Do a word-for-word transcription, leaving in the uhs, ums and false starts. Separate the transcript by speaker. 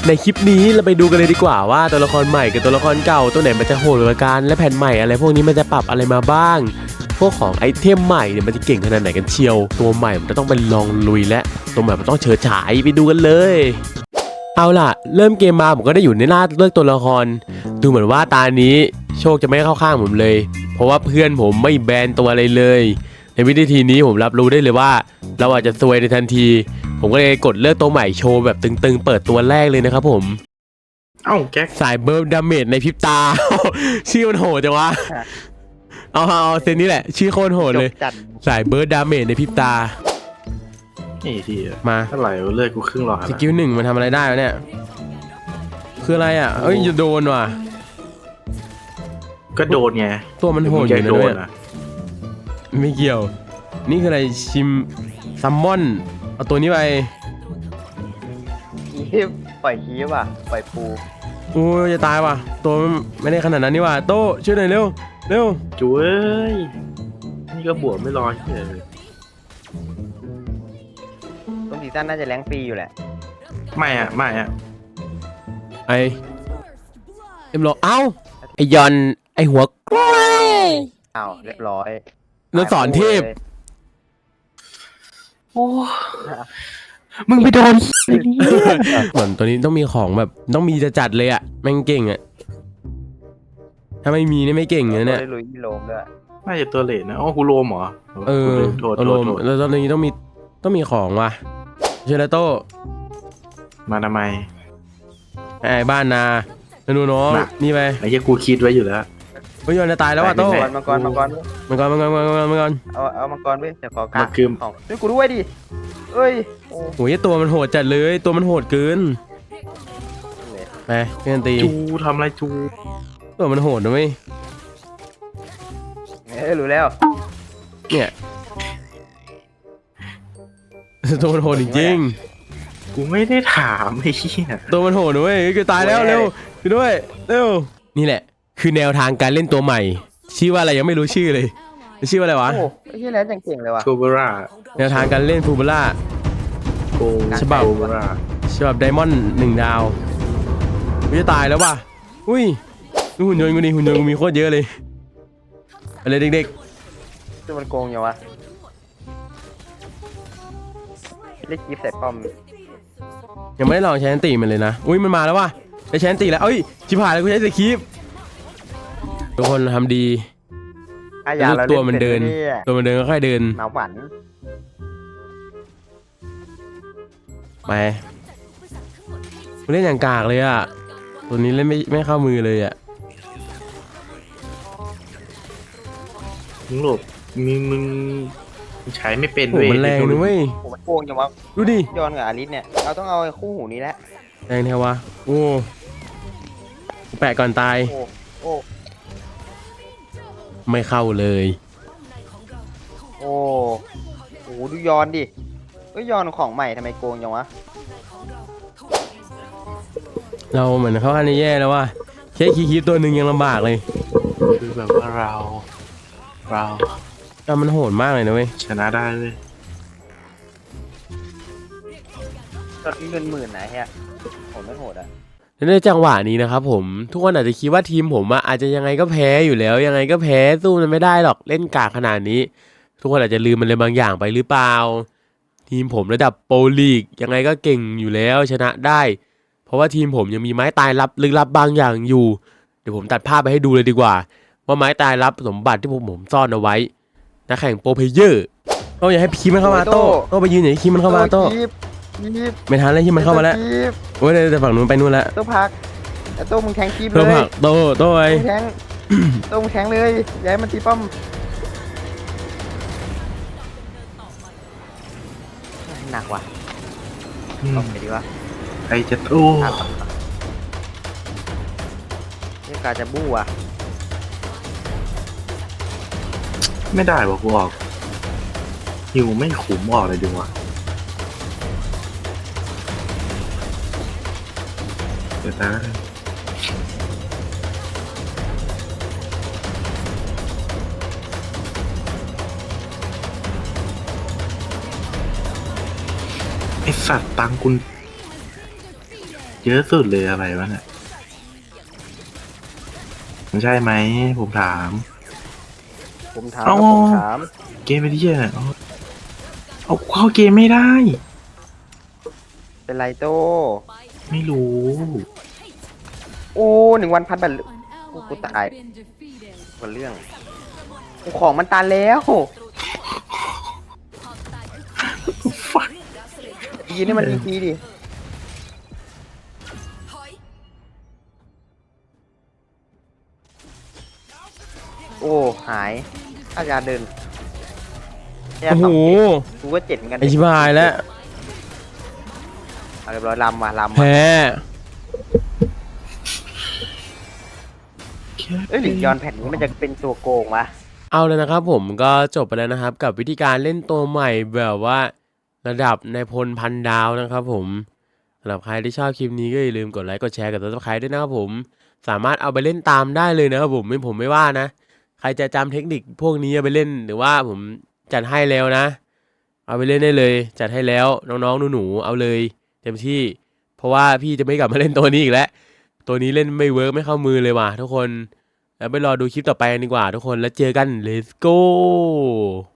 Speaker 1: ในคลิปนี้เราไปดูกันเลยดีกว่าว่าตัวละครใหม่กับตัวละครเก่าตัวไหนมันจะโหดกว่ากันและแผ่นใหม่อะไรพวกนี้มันจะปรับอะไรมาบ้างพวกของไอเทมใหม่เนี่ยมันจะเก่งขนาดไหนกันเชียวตัวใหม่มันจะต้องไปลองลุยและตัวใหม่มันต้องเฉิดฉายไปดูกันเลยเอาล่ะเริ่มเกมมาผมก็ได้อยู่ในหน้าเลือกตัวละครดูเหมือนว่าตานี้โชคจะไม่เข้าข้างผมเลยเพราะว่าเพื่อนผมไม่แบนตัวอะไรเลยในวิธีนี้ผมรับรู้ได้เลยว่าเราอาจจะซวยในทันทีผมก็เลยกดเลือกตัวใหม่โชว์แบบตึงๆเปิดตัวแรกเลยนะครับผม
Speaker 2: เอ้าแก๊ก
Speaker 1: สายเบิร์ดดาเมจในพริบตา ชื่อมันโหดจังวะเอาเอาเซนนี้แหละชื่อโคตรโหดเลยสายเบิร์ดดาเมจในพริบตา
Speaker 2: นี่ที
Speaker 1: มา
Speaker 2: เท่าไหร่เลือดกูครึ่งหลอด
Speaker 1: สกิลหนึ่งมันทำอะไรได้วะเนี่ยคืออะไรอ่ะเอ้ยจะโดนว่ะ
Speaker 2: ก็โดนไง
Speaker 1: ตัวมันโหดอยู่นะเนี่ยไม่เกี่ยวนี่คืออะไรชิมซัมมอนเอาตัวนี้ไป
Speaker 3: คีบปล่อยคีบอ่ะปล่อยปู
Speaker 1: โอ้ยจะตายว่ะตัวไม่ได้ขนาดนั้นนี่ว่ะโต้ช่วยหน่อยเร็วเร็ว
Speaker 2: จุ้ยนี่ก็บวกไม่รอเลย
Speaker 3: ต้นซีซั่นน่าจะแรงฟรีอยู่แหละ
Speaker 2: ไม่อ่ะไม่อ่ะ
Speaker 1: ไอเอ็มโลเอ้าไอยอนไอหัวกล้วย
Speaker 3: อ้าวเรียบร้อย
Speaker 1: นสอนเทพ
Speaker 2: โอ้มึงไปโดน
Speaker 1: เหมือนตัวนี้ต้องมีของแบบต้องมีจะจัดเลยอ่ะแม่งเก่งอ่ะถ้าไม่มีนี่ไม่เก่งเลยเนี่ย
Speaker 3: ลุยโลมด้วย
Speaker 2: น่าจะตัวเลนนะอ๋อกูโลมเหรอ
Speaker 1: เออโลมแล้วตอนนี้ต้องมีต้องมีของว่ะเชลโต้
Speaker 2: มาทำไม
Speaker 1: ไอ้บ้านนาหนูน้องนี่ไป
Speaker 2: ไอ้ที่กูคิดไว้อยู่แล้ว
Speaker 1: เฮ้ยยอนจะตายแล้วว่ะโต้
Speaker 3: มังกรมังกร
Speaker 1: มังกรมังกรมังกรมังกร
Speaker 3: เอาเอามังกรไปเดี๋ยวขอกางของด้วยกูด้วยดิเอ้ย
Speaker 1: โอ้ยตัวมันโหดจัดเลยตัวมันโหดเกินไปเพื่อนตี
Speaker 2: จูทำอะไรจู
Speaker 1: ตัวมันโหดนะเว้ย
Speaker 3: เอ้ยรู้แล้ว
Speaker 1: เนี่ยตัวมันโหดจริง
Speaker 2: ๆกูไม่ได้ถามไอ้เหี้ย
Speaker 1: ตัวมันโหดนะเว้ยคือตายแล้วเร็วไปด้วยเร็วนี่แหละคือแนวทางการเล่นตัวใหม่ชื่อว่าอะไรยังไม่รู้ชื่อเลยชื่อว่าอะไรวะ
Speaker 3: โอ้ไอ้ที่แล้วเก่งเลยว่ะ
Speaker 2: โกเบรา
Speaker 1: แนวทางการเล่นฟูเบล่าฉบับฉบับไดมอนด์หนึ่งดาวกูจะตายแล้วว่ะอุ้ยดูหุ่นยนต์กูดิหุ่นยนต์กูมีโคตรเยอะเลยอะไรเด็ก
Speaker 3: ๆตัวมันโกงอย่างวะเล็กยิบใส่ป้อม
Speaker 1: ยังไม่ได้ลองใช้แอนตี้มันเลยนะอุ้ยมันมาแล้วว่ะได้ใช้แอนตี้แล้วเอ้ยชิบหายแล้วกูใช้สคริปทุกคนทำดีตัวมันเดินตัวมันเดินก็ค่อยเดิน
Speaker 3: หนาวหวัน
Speaker 1: ไปกูเล่นอย่างกากเลยอ่ะตัวนี้เล่นไม่ไม่เข้ามือเลยอ่ะ
Speaker 2: มึงหลบมึงมึงใช้ไม่เป็น
Speaker 1: เว้ยมันแรงนะเว้ย
Speaker 3: ผมมันโกงจังวะ
Speaker 1: ดูดิ
Speaker 3: ย้อนกับอาริสเนี่ยเราต้องเอาคู่หูนี้แหละ
Speaker 1: แรงแท้วะโอ้แปะก่อนตาย
Speaker 3: โอ้
Speaker 1: ไม่เข้าเลย
Speaker 3: โอ้โหดูย้อนดิก็ย้อนของใหม่ทำไมโกงจังวะ
Speaker 1: เราเหมือนเขาอันนี้แย่แล้วว่าแค่คีบตัวหนึ่งยังลำบากเลย
Speaker 2: คือแบบว่าเราเรา
Speaker 1: แต่มันโหดมากเลยนะเว้ย
Speaker 2: ชนะได้เลย
Speaker 3: ก็เงินหมื่นนะฮะผมไม่โหดอ่ะ
Speaker 1: ในจังหวะนี้นะครับผมทุกคนอาจจะคิดว่าทีมผมอาจจะยังไงก็แพ้อยู่แล้วยังไงก็แพ้สู้มันไม่ได้หรอกเล่นกากขนาดนี้ทุกคนอาจจะลืมมันเลยบางอย่างไปหรือเปล่าทีมผมระดับโปรลีกยังไงก็เก่งอยู่แล้วชนะได้เพราะว่าทีมผมยังมีไม้ตายลับลึกลับบางอย่างอยู่เดี๋ยวผมตัดภาพไปให้ดูเลยดีกว่าว่าไม้ตายลับสมบัติที่ผมผมซ่อนเอาไว้นักแข่งโปรเพลเยอร์โต้อย่าให้คีมันเข้ามาโต้โต้ไปยืนอย่าให้คีมันเข้ามาโต้ไม่ทันเลยที่มันเข้ามาแล้วโอ้ยแต่ฝั่งนู้นไปนู่นแล้ว
Speaker 3: โต้พักแต่โต้มึงแทงคีบเลย
Speaker 1: โต้พักโต้โต้ไอ้
Speaker 3: แทงโต้มึงแทงเลยย้ายมันตีป้อมหนักว่ะตบไปดีวะ
Speaker 2: ไอจะโอ้
Speaker 3: นี่กาจะบู้อ่ะ
Speaker 2: ไม่ได้ว่ะกูออกหิวไม่ขุมออกเลยดีวะเดี๋ยวนะไอสัตว์ตังคุณเยอะสุดเลยอะไรวะเนี่ยมันใช่ไหมผมถาม
Speaker 3: ผมถาม
Speaker 2: เอ้า
Speaker 3: ครับผมถาม
Speaker 2: เกมไปที่ไหนเอาเอาเข้าเกมไม่ได้
Speaker 3: เป็นไรโต
Speaker 2: ไม่รู้
Speaker 3: โอ้หนึ่งวันพันแบบกูกูตายคนเรื่องกูของมันตันแล้ว
Speaker 2: ฟัก
Speaker 3: ยืนให้มันทีๆดิโอ้หายถ้ายาเดินยา
Speaker 1: โอ้
Speaker 3: ส
Speaker 1: โห
Speaker 3: องกูก็เจ็ดเหมือนกัน
Speaker 1: ไอชิบหายแล้ว
Speaker 3: เอาเรียบร้อยลำว่ะลำว่ะ
Speaker 1: แพ้
Speaker 3: เอ้ยหรือยอนแผ่นนี้มันจะเป็นตัวโกงวะ
Speaker 1: เอาเลยนะครับผมก็จบไปแล้วนะครับกับวิธีการเล่นตัวใหม่แบบว่าระดับในพลพันดาวนะครับผมสำหรับใครที่ชอบคลิปนี้ก็อย่าลืมกดไลค์กดแชร์กด ซับสไครบ์ ด้วยนะครับผมสามารถเอาไปเล่นตามได้เลยนะครับผมไม่ผมไม่ว่านะใครจะจำเทคนิคพวกนี้เอาไปเล่นหรือว่าผมจัดให้แล้วนะเอาไปเล่นได้เลยจัดให้แล้วน้องๆหนูๆเอาเลยเต็มที่เพราะว่าพี่จะไม่กลับมาเล่นตัวนี้อีกแล้วตัวนี้เล่นไม่เวิร์กไม่เข้ามือเลยว่ะทุกคนแล้วไปรอดูคลิปต่อไปกันดีกว่าทุกคนแล้วเจอกัน let's go